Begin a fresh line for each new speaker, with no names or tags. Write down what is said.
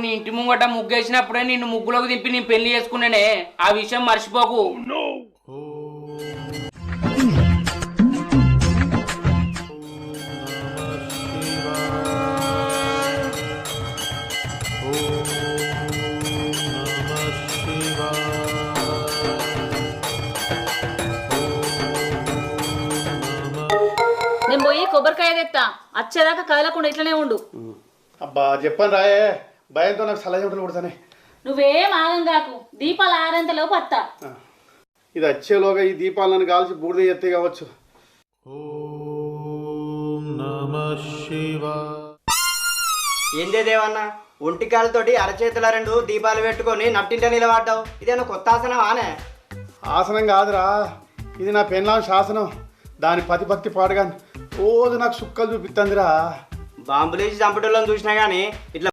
నీ ఇంటి ముంగట ముగ్గేసినప్పుడే నిన్ను ముగ్గులోకి దింపి నేను పెళ్లి చేసుకున్నానే, ఆ విషయం మర్చిపోకు.
నేను పోయి కొబ్బరికాయ తెత్తా, వచ్చేదాకా కదలకుండా ఇట్లనే ఉండు.
అబ్బా చెప్పను రాయే, భయంతో నాకు సలహా చెమటలు పుడతానే.
నువ్వేం ఆగం కాకు, దీపాలు ఆరేంతలోపు వత్తా.
ఇది వచ్చేలోగా ఈ దీపాలను కాల్చి బూడిద ఎత్తే కావచ్చు.
ఏందే దేవన్న, ఒంటికాలతోటి అరచేతుల 2 దీపాలు పెట్టుకొని నట్టింట నిలబడ్డావు. ఇదేనా కొత్త ఆసనం ఆనే?
ఆసనం కాదురా, ఇది నా పెళ్ళాం శాసనం. దాని పతి పాడుగా రోజు నాకు సుక్కలు చూపిస్తుందిరా.
బాంబులేసి చంపటోళ్ళని చూసినా కానీ ఇట్లా